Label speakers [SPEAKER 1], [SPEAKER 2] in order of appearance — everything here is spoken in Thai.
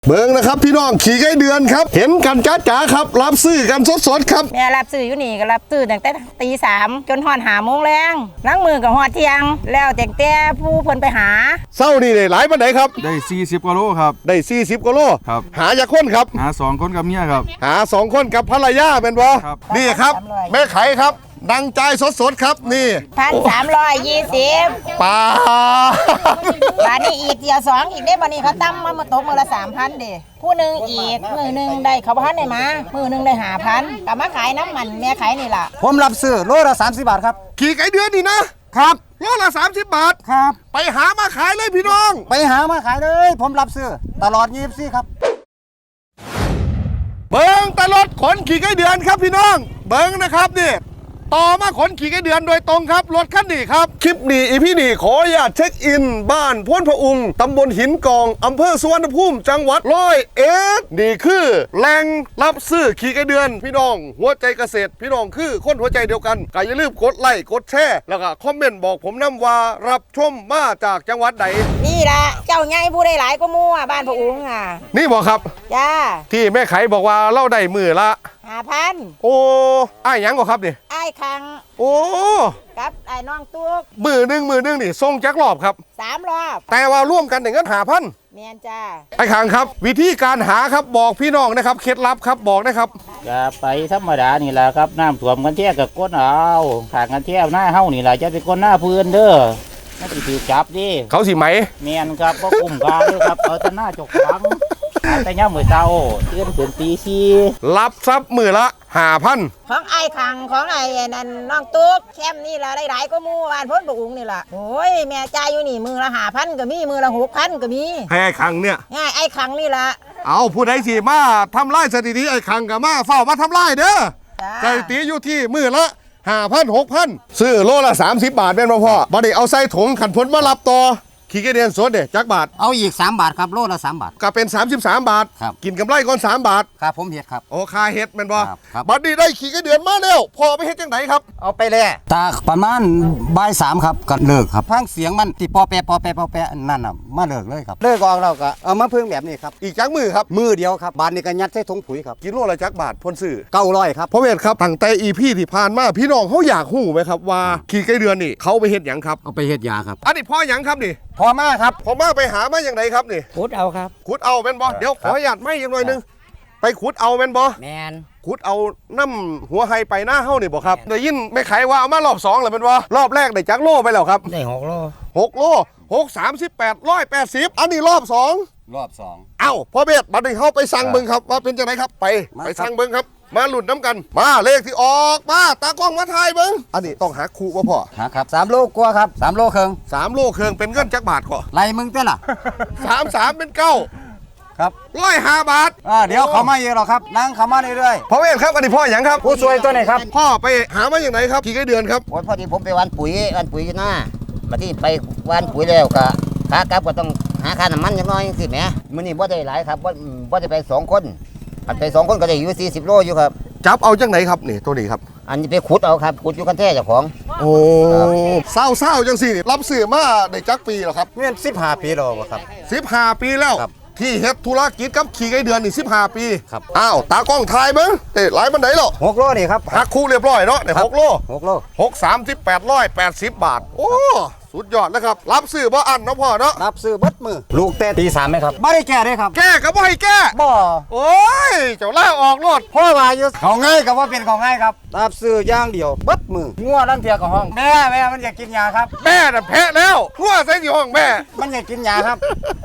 [SPEAKER 1] เบิ่งนะครับพี่น้องขี่ไก่เดือนครับเห็นกันจ้าครับรับซื้อกันสดๆครับ
[SPEAKER 2] แม่รับซื้ออยู่นี่ก็รับซื้อตั้งแต่ตี 3จนฮอด5 โมงแรงล้างมือกับฮอดเที่ยงแล้วแต่ผู้เพิ่นไปหา
[SPEAKER 1] เศร้านี่ได้หลายปานใดครับ
[SPEAKER 3] ได้40กว่าโลครับ
[SPEAKER 1] ได้40กว่าโล
[SPEAKER 3] ครับ
[SPEAKER 1] หาจากคนครับ
[SPEAKER 3] หา2คนกับเมียครับ
[SPEAKER 1] หา2คนกับภรรยาเป็นบ่
[SPEAKER 3] ครับ
[SPEAKER 1] นี่ครับแม่ไขครับดังใจสดๆครับนี่
[SPEAKER 2] 1,320
[SPEAKER 1] ปลา
[SPEAKER 2] บาทนี้อีกเดียว2อีกได้บัดนี้เขาตั้มมาตกมื้อละ 3,000เด้ผู้หนึงอีกมื้อนึงได้เขาบ่ทันได้มามื้อนึงได้5,000ก็มาขายน้ำมันแม่ขายนี่ล่ะ
[SPEAKER 4] ผมรับซื้อโลละ30 บาทครับ
[SPEAKER 1] ขี่ไก่เดือนนี่นะครับโลละ30 บาท
[SPEAKER 4] ครับ
[SPEAKER 1] ไปหามาขายเลยพี่น้อง
[SPEAKER 4] ไปหามาขายเลยผมรับซื้อตลอด24ครับ
[SPEAKER 1] เบิ้งตลอดขนขี่ไก่เดือนครับพี่น้องเบิ้งนะครับนี่ต่อมาขนขี่ไก่เดือนโดยตรงครับรถคันนี้ครับคลิปนี้อีพี่นี่ขออนุญาตเช็คอินบ้านพ้นพระองค์ตำบลหินกองอำเภอสุวรรณภูมิจังหวัด101นี่คือแหล่งรับซื้อขี่ไก่เดือนพี่น้องหัวใจเกษตรพี่น้องคือคนหัวใจเดียวกันก็อย่าลืมกดไลค์กดแชร์แล้วก็คอมเมนต์บอกผมนำว่ารับชมมาจากจังหวัดใด
[SPEAKER 2] นี่ล่ะเจ้าใหญ่ผู้ได้หลายก็มั่วบ้านพระองค์
[SPEAKER 1] นี่บอกครับ
[SPEAKER 2] จ้า
[SPEAKER 1] ที่แม่ไขบอกว่าเล่าได้มือละ
[SPEAKER 2] 5,000
[SPEAKER 1] โอ้ไอ้ยังก็ครับนี่
[SPEAKER 2] ไอ้คัง
[SPEAKER 1] โอ้
[SPEAKER 2] กับไอ้น้องตุ๊ก
[SPEAKER 1] มือหนึ่งนี่ส่งจักรอบครับ
[SPEAKER 2] 3 รอบ
[SPEAKER 1] แต่ว่าร่วมกันอย่างนั้น5,000
[SPEAKER 2] แม่นจ้า
[SPEAKER 1] ไอ้ขังครับวิธีการหาครับบอกพี่น้องนะครับเคล็ดลับครับบอกนะครับ
[SPEAKER 5] จะไปธรรมดานี่แหละครับน้ำท่วมกันเที่ยกับก้นเอาขางกันเที่ยวหน้าเฮานี่แหละจะเป็นก้นหน้าพื้นเด้อไม่ติดถือจับดิ
[SPEAKER 1] เขาสิไหม
[SPEAKER 5] เมียนครับก็กลุ่มกาเลยครับเอาแต่หน้าจกฟังแต่ย่ามือเจ้าเตือนถึงตี4
[SPEAKER 1] รับทรัพย์มือละ5,000
[SPEAKER 2] ของไอ้คังของไอ้นั่นน้องตุ๊กแคมนี่ล่ะได้หลายก็มู่บ้านพ้นพระองค์นี่ล่ะโอ้ยแม่จ่ายอยู่นี่มือละ5,000ก็มีมือละ6,000ก็มี
[SPEAKER 1] ให้ไอ้ขังเนี่ย
[SPEAKER 2] ง่ายไอ้คังนี่ล่ะ
[SPEAKER 1] เอาผู้ใดสิมาทำลายสถิติไอ้ขังกับมาเฝ้ามาทำลายเด้อสถิติอยู่ที่มือละ5,000 6,000ซื้อโลละ30 บาทเป็นบ่พ่อบ่ได้เอาใส่ถุงขันพ้นมารับต่อขี่ไก่เดือนสดเด้จักบาท
[SPEAKER 4] เอาอีก3 บาทครับโลละ3 บาท
[SPEAKER 1] ก็เป็น33 บาทกินกำไรก่อน3 บาท
[SPEAKER 4] ครับผมเฮ็ดครับ
[SPEAKER 1] โอ้คาเฮ็ดแม่นบ่
[SPEAKER 4] ครับ
[SPEAKER 1] บัดนี้ได้ขี่ไก่เดือนมาแล้วพ่อไปเฮ็ดจังไดครับ
[SPEAKER 4] เอาไปเลยตาประมาณบ่าย3ครับก็เลิกครับฟังเสียงมันที่ปอแปนั่นน่ะมาเลิกเลยครับเลิกออกแล้วก็เอามาพึ่งแบบนี้ครับ
[SPEAKER 1] อีกจักมือครับ
[SPEAKER 4] มือเดียวครับบาทนี้ก็ยัดใส่ถุงปุ๋ยครับ
[SPEAKER 1] กิโลละจักบาทพ่นซื้อ
[SPEAKER 4] 900ครับ
[SPEAKER 1] พ่อเวทครับตั้งแต่ EP ที่ผ่านมาพี่น้องเขาอยากฮู้ไหมครับว่าขี่ไก่เดือนนี่เขาไปเฮ็ดหยังครับ
[SPEAKER 4] เอาไปเฮ็ดยาครับ
[SPEAKER 1] อันนี้พ่อหยังครับนี่
[SPEAKER 4] พอมาครับ
[SPEAKER 1] พ่อมาไปหามาอย่างไรครับนี่
[SPEAKER 4] ขุดเอาครับ
[SPEAKER 1] ขุดเอาแม่นบ่เดี๋ยวขออนุญาตไม่อีกหน่อยนึงไปขุดเอาแม่นบ่
[SPEAKER 4] แมน
[SPEAKER 1] ขุดเอาน้ำหัวไฮไปหน้าเฮานี่บ่ครับได้ยินแม่ไขว่าเอามารอบ2แล้วแม่นบ่รอบแรกได้จักโลไปแล้วครับ
[SPEAKER 4] ได้6 โล
[SPEAKER 1] 6 โล6 38 180อันนี้รอบ
[SPEAKER 4] 2
[SPEAKER 1] เอ้าพ่อเบสบัดนี้เฮาไปสั่งเบิ่งครับว่าเป็นจังไดครับไปสั่งเบิ่งครับมาหลุดน้ำกันมาเลขที่ออกมาตากล้องมาถ่ายเบิ่งอันนี้ต้องหาคู่บ่พ่อ
[SPEAKER 4] หาครับ3 โลกว่าครับ3 โลครึ่ง
[SPEAKER 1] 3 โลครึ่งเป็นเงินจักบาทก่อ
[SPEAKER 4] ไล่มึงเต้ล่ะ
[SPEAKER 1] 33เป็น9
[SPEAKER 4] ครับ
[SPEAKER 1] 105 บาท
[SPEAKER 4] เดี๋ยวเขามาเยอะหรอครับนั่งเขามาเรื่อย
[SPEAKER 1] พ่อเวทครับอันนี้พ่อหยังครับ
[SPEAKER 4] ผู้ช่วยตัวไหนครับ
[SPEAKER 1] พ่อไปหามาอย่างไหนครับขี่ไก่เดือนครับ
[SPEAKER 6] พอดีผมไปวันปุ๋ยอยู่หน้ามาที่ไปวันปุ๋ยแล้วก็ขากลับก็ต้องหาค่าน้ำมันอย่างน้อยสิแหมมื้อนี้บ่ได้หลายครับบ่ได้ไป2 คนอันไป2 คนก็ได้อยู่40 โลอยู่ครับ
[SPEAKER 1] จับเอาจังไหนครับนี่ตัวนี้ครับ
[SPEAKER 6] อันนี้ไปขุดเอาครับขุดอยู่กันแท้เจ้าของ
[SPEAKER 1] โอ้เศร้าจังสิรับซื้อมาได้จักปีแล้วครับ
[SPEAKER 4] เงิน15 ปีแล้วครับ
[SPEAKER 1] 15 ปีแล้วที่เฮ็ดธุรกิจกับขี่ไก่เดือนนี่15 ปี
[SPEAKER 4] ครับ
[SPEAKER 1] อ้าวตากล้องถ่ายเบิ่งหลายบันไดแล้ว
[SPEAKER 4] 6 โลนี่ครับ
[SPEAKER 1] หักคู่เรียบร้อยเนาะได้6 โล
[SPEAKER 4] 6
[SPEAKER 1] 38 180 บาทโอ้สุดยอดแล้วครับรับซื้อบ่อันเนาะพ่อเนาะ
[SPEAKER 4] รับซื้อเบิดมือลูกแต่ตี 3ไหมครับไม่ได้แก้เลยครับ
[SPEAKER 1] แก้ก็บ่ให้แก้
[SPEAKER 4] บ่
[SPEAKER 1] โอ้ยเจ้าล่าออกรถ
[SPEAKER 4] พ่อมาอยู่เขาง่ายกับว่าเป็นเขาง่ายครับรับซื้อย่างเดียวเบิดมืองัวลังเทียกับห้องแม่มันอยากกินยาครับ
[SPEAKER 1] แม่น่ะแพ้แล้วงัวใส่ที่ห้องแม่
[SPEAKER 4] มันอยากกินยาครับ